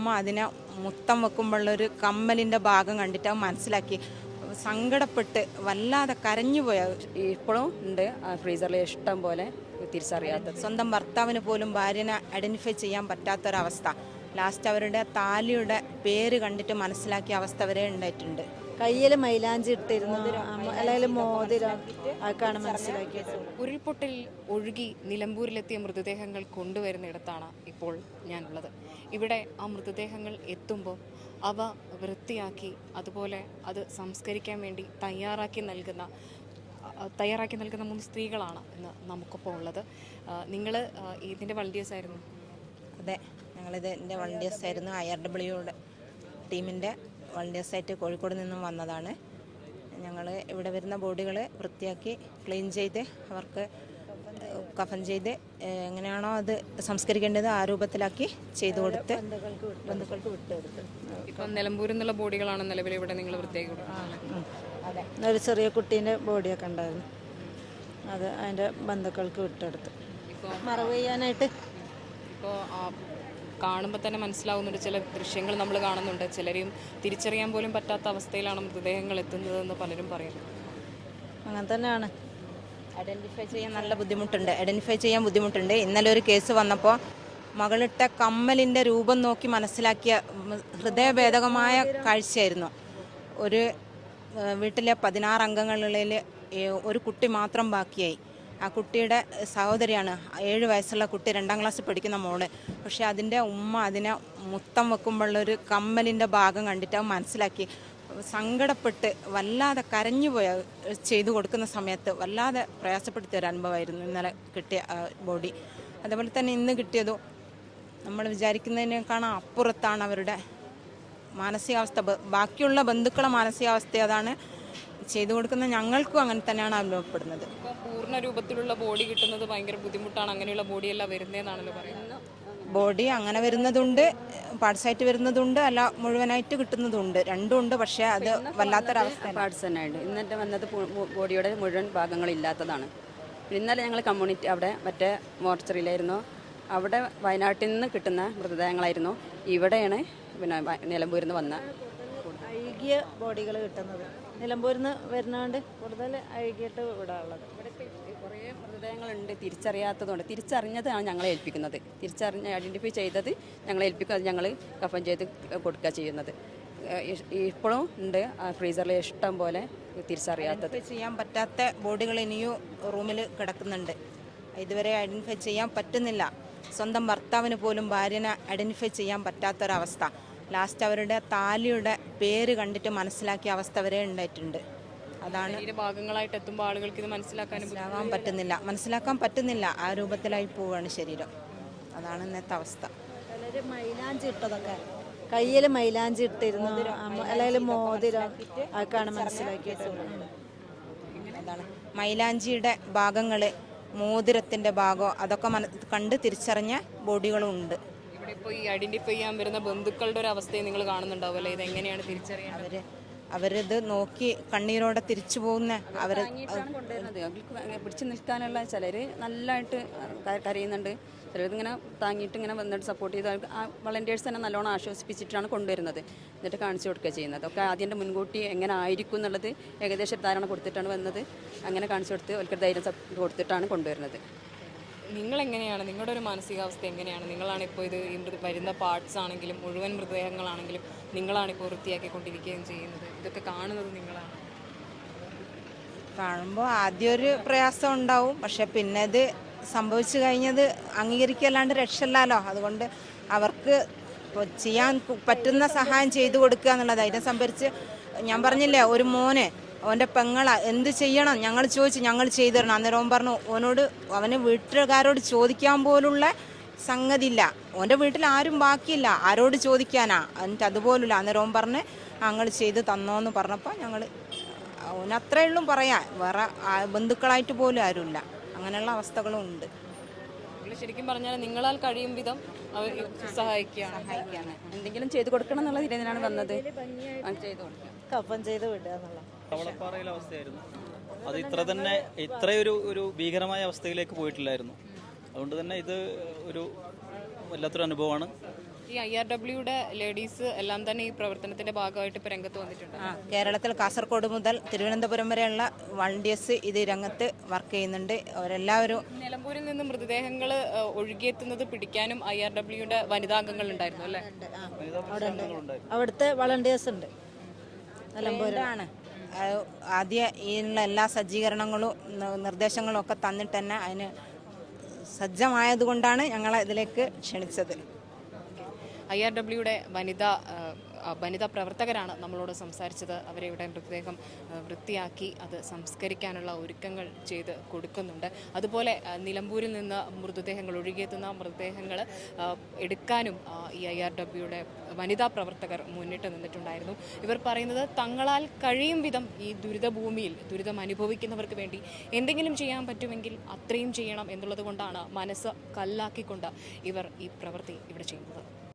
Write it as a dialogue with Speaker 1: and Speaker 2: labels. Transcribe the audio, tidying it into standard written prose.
Speaker 1: ഉമ്മ അതിനെ മുത്തം വെക്കുമ്പോഴുള്ളൊരു കമ്മലിൻ്റെ ഭാഗം കണ്ടിട്ട് അത് മനസ്സിലാക്കി സങ്കടപ്പെട്ട് വല്ലാതെ കരഞ്ഞുപോയ
Speaker 2: ഇപ്പോഴും ഉണ്ട് ഫ്രീസറിൽ ഇഷ്ടം പോലെ തിരിച്ചറിയാത്തത്.
Speaker 1: സ്വന്തം ഭർത്താവിന് പോലും ഭാര്യനെ ഐഡൻറ്റിഫൈ ചെയ്യാൻ പറ്റാത്തൊരവസ്ഥ. ലാസ്റ്റ് അവരുടെ താലിയുടെ പേര് കണ്ടിട്ട് മനസ്സിലാക്കിയ അവസ്ഥ വരെ ഉണ്ടായിട്ടുണ്ട്.
Speaker 3: കയ്യിൽ മൈലാഞ്ചി ഇട്ടിരുന്നു, അല്ലെങ്കിൽ മോതിരം, അതൊക്കെയാണ് മനസ്സിലാക്കിയത്.
Speaker 4: ഉരുൾപൊട്ടലിൽ ഒഴുകി നിലമ്പൂരിലെത്തിയ മൃതദേഹങ്ങൾ കൊണ്ടുവരുന്നിടത്താണ് ഇപ്പോൾ ഞാനുള്ളത്. ഇവിടെ ആ മൃതദേഹങ്ങൾ എത്തുമ്പോൾ അവ വൃത്തിയാക്കി അതുപോലെ അത് സംസ്കരിക്കാൻ വേണ്ടി തയ്യാറാക്കി നൽകുന്ന 3 സ്ത്രീകളാണ് ഇന്ന് നമുക്കൊപ്പം ഉള്ളത്. നിങ്ങൾ ഇതിൻ്റെ വളണ്ടിയേഴ്സ് ആയിരുന്നു?
Speaker 1: അതെ, ഞങ്ങളിത് എൻ്റെ വളണ്ടിയേഴ്സ് ആയിരുന്നു. IRWയുടെ ടീമിൻ്റെ വളണ്ടിയേഴ്സായിട്ട് കോഴിക്കോട് നിന്നും വന്നതാണ്. ഞങ്ങൾ ഇവിടെ വരുന്ന ബോഡികൾ വൃത്തിയാക്കി ക്ലീൻ ചെയ്ത് അവർക്ക് കഫൻ ചെയ്ത് എങ്ങനെയാണോ അത് സംസ്കരിക്കേണ്ടത് ആ രൂപത്തിലാക്കി ചെയ്തു കൊടുത്ത് ബന്ധുക്കൾക്ക് വിട്ടുകൊടുത്ത്.
Speaker 4: ഇപ്പം നിലമ്പൂരിൽ നിന്നുള്ള ബോഡികളാണ് നിലവിൽ ഇവിടെ നിങ്ങൾ വൃത്തിയാക്കി കൊടുക്കുന്നത്?
Speaker 3: അതെ, ഒരു ചെറിയ കുട്ടീൻ്റെ ബോഡിയൊക്കെ ഉണ്ടായിരുന്നു, അത് അതിൻ്റെ ബന്ധുക്കൾക്ക് വിട്ടെടുത്ത്
Speaker 4: ഇപ്പോൾ
Speaker 3: മറവ് ചെയ്യാനായിട്ട്.
Speaker 4: ഇപ്പോൾ കാണുമ്പോൾ തന്നെ മനസ്സിലാവുന്നുണ്ട്, ചില ദൃശ്യങ്ങൾ നമ്മൾ കാണുന്നുണ്ട്, ചിലരെയും തിരിച്ചറിയാൻ പോലും പറ്റാത്ത അവസ്ഥയിലാണ് മൃതദേഹങ്ങൾ എത്തുന്നതെന്ന് പലരും പറയുന്നു.
Speaker 3: അങ്ങനെ തന്നെയാണ്.
Speaker 1: ഐഡൻറ്റിഫൈ ചെയ്യാൻ ബുദ്ധിമുട്ടുണ്ട്. ഇന്നലെ ഒരു കേസ് വന്നപ്പോൾ മകളിട്ട കമ്മലിൻ്റെ രൂപം നോക്കി മനസ്സിലാക്കിയ ഹൃദയഭേദകമായ കാഴ്ചയായിരുന്നു. ഒരു വീട്ടിലെ 16 അംഗങ്ങളിൽ ഒരു കുട്ടി മാത്രം ബാക്കിയായി. ആ കുട്ടിയുടെ സഹോദരിയാണ്, 7 വയസ്സുള്ള കുട്ടി, 2ാം ക്ലാസ്സിൽ പഠിക്കുന്ന മോള്. പക്ഷേ അതിൻ്റെ ഉമ്മ അതിനെ മുത്തം വെക്കുമ്പോഴുള്ളൊരു കമ്മലിൻ്റെ ഭാഗം കണ്ടിട്ട് അത് മനസ്സിലാക്കി സങ്കടപ്പെട്ട് വല്ലാതെ കരഞ്ഞുപോയ ചെയ്തു കൊടുക്കുന്ന സമയത്ത് വല്ലാതെ പ്രയാസപ്പെടുത്തിയ ഒരു അനുഭവമായിരുന്നു ഇന്നലെ കിട്ടിയ ബോഡി. അതുപോലെ തന്നെ ഇന്ന് കിട്ടിയതും നമ്മൾ വിചാരിക്കുന്നതിനേക്കാളും അപ്പുറത്താണ് അവരുടെ മാനസികാവസ്ഥ. ബാക്കിയുള്ള ബന്ധുക്കളെ മാനസികാവസ്ഥ അതാണ് ചെയ്തു കൊടുക്കുന്ന ഞങ്ങൾക്കും അങ്ങനെ തന്നെയാണ് അനുഭവപ്പെടുന്നത്.
Speaker 4: ഇപ്പോൾ പൂർണ്ണ രൂപത്തിലുള്ള ബോഡി കിട്ടുന്നത് ഭയങ്കര ബുദ്ധിമുട്ടാണ്. അങ്ങനെയുള്ള ബോഡിയെല്ലാം വരുന്നതെന്നാണല്ലോ പറയുന്നത്.
Speaker 1: ബോഡി അങ്ങനെ വരുന്നതുണ്ട്, പാർട്സായിട്ട് വരുന്നതുണ്ട്, അല്ല മുഴുവനായിട്ട് കിട്ടുന്നതുണ്ട്, രണ്ടും ഉണ്ട്. പക്ഷേ അത് വല്ലാത്തൊരവസ്ഥ.
Speaker 2: പാർട്സ് തന്നെ ഉണ്ട്. ഇന്നത്തെ വന്നത് ബോഡിയുടെ മുഴുവൻ ഭാഗങ്ങളില്ലാത്തതാണ്. ഇന്നലെ ഞങ്ങൾ കമ്മ്യൂണിറ്റി അവിടെ മറ്റേ മോർച്ചറിയിലായിരുന്നു, അവിടെ വയനാട്ടിൽ നിന്ന് കിട്ടുന്ന മൃതദേഹങ്ങളായിരുന്നു. ഇവിടെയാണ് പിന്നെ നിലമ്പൂരിൽ നിന്ന് വന്ന
Speaker 3: അഴുകിയ ബോഡികൾ കിട്ടുന്നത്. നിലമ്പൂരിൽ നിന്ന് വരുന്നതുകൊണ്ട് കൂടുതൽ അഴുകിയിട്ട് ഇവിടെ ഉള്ളത്.
Speaker 2: ഇവിടെ കുറേ മൃതദേഹങ്ങളുണ്ട് തിരിച്ചറിയാത്തതുകൊണ്ട്. തിരിച്ചറിഞ്ഞതാണ് ഞങ്ങളെ ഏൽപ്പിക്കുന്നത്. ഐഡൻറ്റിഫൈ ചെയ്തത് ഞങ്ങളെ ഏൽപ്പിക്കും, അത് ഞങ്ങൾ കഫൻ ചെയ്ത് കൊടുക്കുക ചെയ്യുന്നത്. ഇപ്പോഴും ഉണ്ട് ഫ്രീസറിൽ ഇഷ്ടം പോലെ തിരിച്ചറിയാത്തത്.
Speaker 1: ചെയ്യാൻ പറ്റാത്ത ബോഡികൾ ഇനിയും റൂമിൽ കിടക്കുന്നുണ്ട്. ഇതുവരെ ഐഡൻറ്റിഫൈ ചെയ്യാൻ പറ്റുന്നില്ല. സ്വന്തം ഭർത്താവിന് പോലും ഭാര്യനെ ഐഡൻറ്റിഫൈ ചെയ്യാൻ പറ്റാത്തൊരവസ്ഥ. ലാസ്റ്റ് അവരുടെ താലിയുടെ പേര് കണ്ടിട്ട് മനസ്സിലാക്കിയ അവസ്ഥ വരെ ഉണ്ടായിട്ടുണ്ട്. അതാണ്
Speaker 4: ഭാഗങ്ങളായിട്ട് എത്തുമ്പോൾ ആളുകൾക്ക് ഇത്
Speaker 1: മനസ്സിലാക്കാൻ പറ്റുന്നില്ല. ആ രൂപത്തിലായി പോവുകയാണ് ശരീരം. അതാണ് ഇന്നത്തെ അവസ്ഥ.
Speaker 3: ചിലർ മൈലാഞ്ചി ഇട്ടതൊക്കെ, കയ്യിൽ മൈലാഞ്ചി ഇട്ടിരുന്നു, അല്ലെങ്കിൽ മോതിരം, അതൊക്കെയാണ് മനസ്സിലാക്കിയത്.
Speaker 1: അതാണ് മൈലാഞ്ചിയുടെ ഭാഗങ്ങൾ, മോതിരത്തിൻ്റെ ഭാഗം, അതൊക്കെ കണ്ട് തിരിച്ചറിഞ്ഞ ബോഡികളും ഉണ്ട്.
Speaker 4: ഇവിടെ ഇപ്പോൾ ഈ ഐഡൻറ്റിഫൈ ചെയ്യാൻ വരുന്ന ബന്ധുക്കളുടെ ഒരു അവസ്ഥയെ നിങ്ങൾ കാണുന്നുണ്ടാവുമല്ലേ? ഇതെങ്ങനെയാണ് തിരിച്ചറിയുന്നത്?
Speaker 1: അവരിത് നോക്കി കണ്ണീരോടെ തിരിച്ചു പോകുന്ന അവരെ
Speaker 2: കൊണ്ടുവരുന്നത്. അവർക്ക് പിടിച്ചു നിൽക്കാനുള്ള ചിലർ നല്ലതായിട്ട് കരയുന്നുണ്ട്, ചിലരിങ്ങനെ താങ്ങിയിട്ട് ഇങ്ങനെ വന്നിട്ട് സപ്പോർട്ട് ചെയ്ത് അവർക്ക് ആ വളണ്ടിയേഴ്സ് തന്നെ നല്ലോണം ആശ്വസിപ്പിച്ചിട്ടാണ് കൊണ്ടുവരുന്നത്. എന്നിട്ട് കാണിച്ചു കൊടുക്കുക ചെയ്യുന്നത്. ഒക്കെ ആദ്യം മുൻകൂട്ടി എങ്ങനെ ആയിരിക്കും എന്നുള്ളത് ഏകദേശം ധാരണ കൊടുത്തിട്ടാണ് വന്നത്. അങ്ങനെ കാണിച്ചു കൊടുത്ത് അവർക്ക് ധൈര്യം കൊടുത്തിട്ടാണ് കൊണ്ടുവരുന്നത്.
Speaker 4: നിങ്ങളെങ്ങനെയാണ്, നിങ്ങളുടെ ഒരു മാനസികാവസ്ഥ എങ്ങനെയാണ്? നിങ്ങളാണ് ഇപ്പോൾ ഇത് വരുന്ന പാർട്സ് ആണെങ്കിലും മുഴുവൻ മൃതദേഹങ്ങളാണെങ്കിലും നിങ്ങളാണിപ്പോൾ വൃത്തിയാക്കിക്കൊണ്ടിരിക്കുകയും ചെയ്യുന്നത്. ഇതൊക്കെ കാണുന്നത് നിങ്ങളാണ്.
Speaker 1: കാണുമ്പോൾ ആദ്യം ഒരു പ്രയാസം ഉണ്ടാവും, പക്ഷെ പിന്നെ ഇത് സംഭവിച്ചു കഴിഞ്ഞത് അംഗീകരിക്കല്ലാണ്ട് രക്ഷയില്ലല്ലോ. അതുകൊണ്ട് അവർക്ക് ചെയ്യാൻ പറ്റുന്ന സഹായം ചെയ്തു കൊടുക്കുക എന്നുള്ളത്. അതിനെ സംഭരിച്ച് ഞാൻ പറഞ്ഞില്ലേ, ഒരു മോനെ അവൻ്റെ പെങ്ങള എന്ത് ചെയ്യണം ഞങ്ങൾ ചോദിച്ചു, ഞങ്ങൾ ചെയ്തു തരണം. അന്നേരം അവൻ പറഞ്ഞു അവന് വീട്ടുകാരോട് ചോദിക്കാൻ പോലുള്ള സംഗതി ഇല്ല, അവൻ്റെ വീട്ടിൽ ആരും ബാക്കിയില്ല, ആരോട് ചോദിക്കാനാ, എന്നിട്ട് അതുപോലുള്ള. അന്നേരം അവൻ പറഞ്ഞ് ഞങ്ങൾ ചെയ്ത് തന്നോന്ന് പറഞ്ഞപ്പോൾ ഞങ്ങൾ അവനത്രേ ഉള്ളൂ പറയാൻ, വേറെ ബന്ധുക്കളായിട്ട് പോലും ആരുമില്ല. അങ്ങനെയുള്ള അവസ്ഥകളും ഉണ്ട്.
Speaker 4: ശരിക്കും പറഞ്ഞാൽ നിങ്ങളാൽ കഴിയും വിധം സഹായിക്കുകയാണ്.
Speaker 2: എന്തെങ്കിലും ചെയ്തു കൊടുക്കണം എന്നുള്ള രീതിയിലാണ് വന്നത്. ചെയ്തു കൊടുക്കുക,
Speaker 3: കഫൻ ചെയ്ത് വിടുക എന്നുള്ള
Speaker 5: കവളപ്പാറയിലെ അവസ്ഥയായിരുന്നു. അത് ഇത്രയൊരു ഭീകരമായ അവസ്ഥയിലേക്ക് പോയിട്ടില്ലായിരുന്നു. അതുകൊണ്ട് തന്നെ ഇത് ഒരു വല്ലാത്തൊരു അനുഭവമാണ്.
Speaker 4: ഈ IRWയുടെ ലേഡീസ് എല്ലാം തന്നെ ഈ പ്രവർത്തനത്തിന്റെ ഭാഗമായിട്ട് ഇപ്പോൾ രംഗത്ത് വന്നിട്ടുണ്ട്.
Speaker 1: കേരളത്തിൽ കാസർഗോഡ് മുതൽ തിരുവനന്തപുരം വരെയുള്ള വളണ്ടിയേഴ്സ് ഇത് രംഗത്ത് വർക്ക് ചെയ്യുന്നുണ്ട്. അവരെല്ലാവരും
Speaker 4: നിലമ്പൂരിൽ നിന്ന് മൃതദേഹങ്ങൾ ഒഴുകിയെത്തുന്നത് പിടിക്കാനും IRWയുടെ വനിതാംഗങ്ങൾ ഉണ്ടായിരുന്നു അല്ലേ?
Speaker 3: അവിടെ ഉണ്ട്, അവിടുത്തെ വളണ്ടിയേഴ്സ് ഉണ്ട്
Speaker 1: നിലമ്പൂരാണ്. ആദ്യ ഇതിനുള്ള എല്ലാ സജ്ജീകരണങ്ങളും നിർദ്ദേശങ്ങളും ഒക്കെ തന്നിട്ട് തന്നെ അതിന് സജ്ജമായതുകൊണ്ടാണ് ഞങ്ങളെ ഇതിലേക്ക് ക്ഷണിച്ചത്.
Speaker 4: IRWയുടെ വനിതാ പ്രവർത്തകരാണ് നമ്മളോട് സംസാരിച്ചത്. അവരെ മൃതദേഹം വൃത്തിയാക്കി അത് സംസ്കരിക്കാനുള്ള ഒരുക്കങ്ങൾ ചെയ്ത് കൊടുക്കുന്നുണ്ട്. അതുപോലെ നിലമ്പൂരിൽ നിന്ന് മൃതദേഹങ്ങൾ ഒഴുകിയെത്തുന്ന മൃതദേഹങ്ങൾ എടുക്കാനും ഈ IRWയുടെ വനിതാ പ്രവർത്തകർ മുന്നിട്ട് നിന്നിട്ടുണ്ടായിരുന്നു. ഇവർ പറയുന്നത് തങ്ങളാൽ കഴിയും വിധം ഈ ദുരിതഭൂമിയിൽ ദുരിതം അനുഭവിക്കുന്നവർക്ക് വേണ്ടി എന്തെങ്കിലും ചെയ്യാൻ പറ്റുമെങ്കിൽ അത്രയും ചെയ്യണം എന്നുള്ളത് കൊണ്ടാണ് മനസ്സ് കല്ലാക്കിക്കൊണ്ട് ഇവർ ഈ പ്രവൃത്തി ഇവിടെ ചെയ്യുന്നത്.